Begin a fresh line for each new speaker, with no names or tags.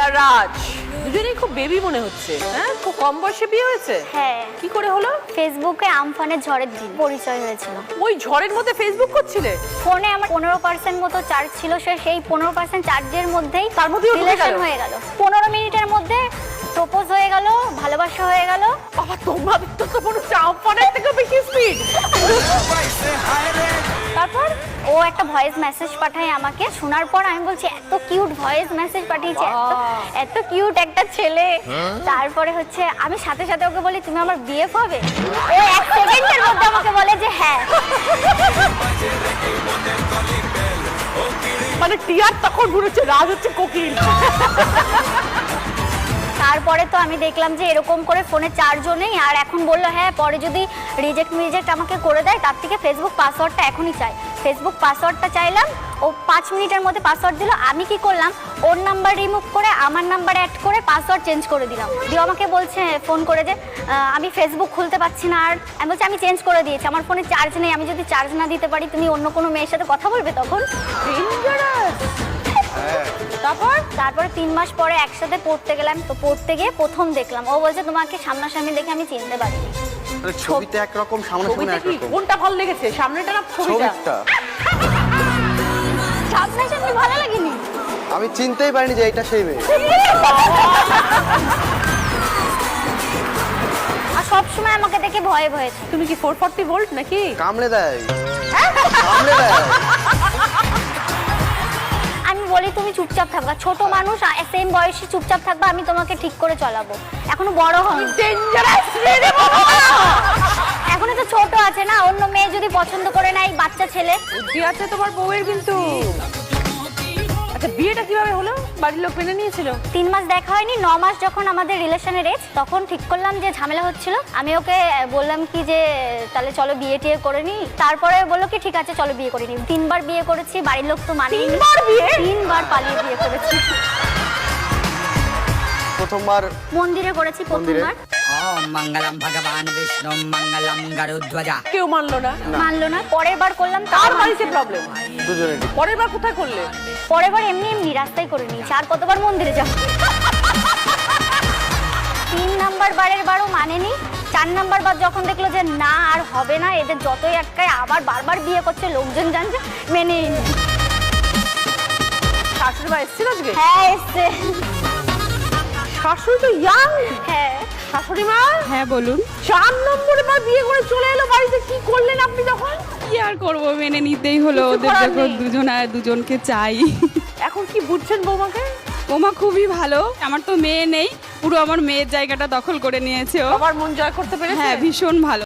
আর রাজ দুজনেই খুব বেবি মনে হচ্ছে। হ্যাঁ, খুব কম বয়সে বিয়ে হয়েছে।
হ্যাঁ।
কি করে হলো?
ফেসবুকে আমফানের ঝড়ের দিন পরিচয় হয়েছিল।
ওই ঝড়ের মধ্যে ফেসবুক করছিলে?
ফোনে আমার 15% মতো চার্জ ছিল, সেই 15% চার্জের মধ্যেই
তার মধ্যেই
রিলেশন হয়ে গেল। 15 মিনিটের মধ্যে প্রপোজ হয়ে গেল, ভালোবাসা হয়ে গেল।
বাবা, তোমার তো মনে হচ্ছে আমফানের থেকে বেশি স্পিড।
তারপর ও একটা ভয়েস মেসেজ পাঠায় আমাকে। শোনার পর আমি বলছি এত কিউট ভয়েস মেসেজ পাঠিয়েছে, এত কিউট একটা ছেলে। তারপরে হচ্ছে আমি সাথে সাথে ওকে বলি তুমি আমার বিএফ হবে। ও 1 সেকেন্ডের মধ্যে আমাকে বলে যে হ্যাঁ।
মানে টিয়ার তখন ঘুরেছে, রাজ হচ্ছে কোকিল।
তারপরে তো আমি দেখলাম যে এরকম করে ফোনে চার্জও নেই। আর এখন বললো হ্যাঁ পরে যদি রিজেক্ট আমাকে করে দেয়, তার থেকে ফেসবুক পাসওয়ার্ডটা এখনই চাই। ফেসবুক পাসওয়ার্ডটা চাইলাম, ও 5 মিনিটের মধ্যে পাসওয়ার্ড দিল। আমি কি করলাম, ওর নাম্বার রিমুভ করে আমার নাম্বার অ্যাড করে পাসওয়ার্ড চেঞ্জ করে দিলাম। দিয়ে আমাকে বলছে ফোন করে যে আমি ফেসবুক খুলতে পারছি না। আর আমি বলছি আমি চেঞ্জ করে দিয়েছি, আমার ফোনে চার্জ নেই, আমি যদি চার্জ না দিতে পারি তুমি অন্য কোনো মেয়ের সাথে কথা বলবে তখন। তারপরে 3 মাস পরে একসাথে পড়তে গেলাম। তো পড়তে গিয়ে প্রথম দেখলাম, ও বলছে তোমাকে সামনাসামনি দেখে আমি চিনতে পারিনি।
ছবিতে একরকম, সামনাসামনি একরকম।
কোনটা ভালো লেগেছে, সামনেটা না ছবিটা?
সামনাসামনি ভালো লাগেনি,
আমি চিনতেই পারিনি যে এটা সেই মেয়ে।
আর সবসময় আমাকে দেখে ভয়ে ভয়ে।
তুমি কি 440 ভোল্ট নাকি?
কামড়ে দেয়, কামড়ে দেয়।
আমি বলি তুমি চুপচাপ থাকবা, ছোট মানুষ সেম বয়সে চুপচাপ থাকবা, আমি তোমাকে ঠিক করে চালাবো। এখনো বড় হন, এখনো তো ছোট আছে না, অন্য মেয়ে যদি পছন্দ করে না, এই বাচ্চা ছেলে।
বুদ্ধি আছে তোমার বউয়ের কিন্তু। আচ্ছা, বিয়েটা কিভাবে হলো? বাড়ির লোক মেনে নিয়েছিল?
3 মাস দেখা হয়নি, 9 মাস যখন আমাদের রিলেশনের এজ, তখন ঠিক করলাম যে ঝামেলা হচ্ছিল। আমি ওকে বললাম কি যে তাহলে চলো বিয়ে টিয়ে করে নি। তারপরে বললো কি ঠিক আছে চলো বিয়ে করে নি। 3 বার বিয়ে করেছি, বাড়ির লোক তো মানেনি। 3 বার পালিয়ে বিয়ে করেছি।
প্রথমবার
মন্দিরে করেছি প্রথমবার।
ওম মঙ্গলম ভগবান বিষ্ণু মঙ্গলম গরুধ্বজা।
কেউ মানলো না?
মানলো না। পরের বার করলাম,
তার বাড়িতে প্রবলেম।
দুজনেরই।
পরের বার কোথায় করলে?
পরের বার এমনি রাস্তায় করে নিয়েছি। আর কতবার মন্দিরে যাব? 3 নাম্বার বারের বারও মানেনি। 4 নাম্বার বার যখন দেখলো যে না আর হবে না, এদের যতই আটকায় আবার বারবার বিয়ে করছে, লোকজন জানছে, মেনে নিল।
শাশুড়ি মা এসেছিল আজকে?
হ্যাঁ এসছে।
শাশুড়ি তো ইয়াং।
হ্যাঁ।
শাশুড়ি মা?
হ্যাঁ বলুন।
4 নম্বরে বার বিয়ে করে চলে এলো বাড়িতে, কি করলেন আপনি তখন?
কি আর করবো, মেনে নিতেই হলো।
কিছু
ওদের
করার
যখন
নেই।
দুজনকে চাই।
এখন কি বুঝছেন বৌমাকে?
ওমা খুবই ভালো। আমার তো মেয়ে নেই, পুরো আমার মেয়ের জায়গাটা দখল করে নিয়েছে ও।
আমার মন জয় করতে পেরেছে?
হ্যাঁ, ভীষণ ভালো।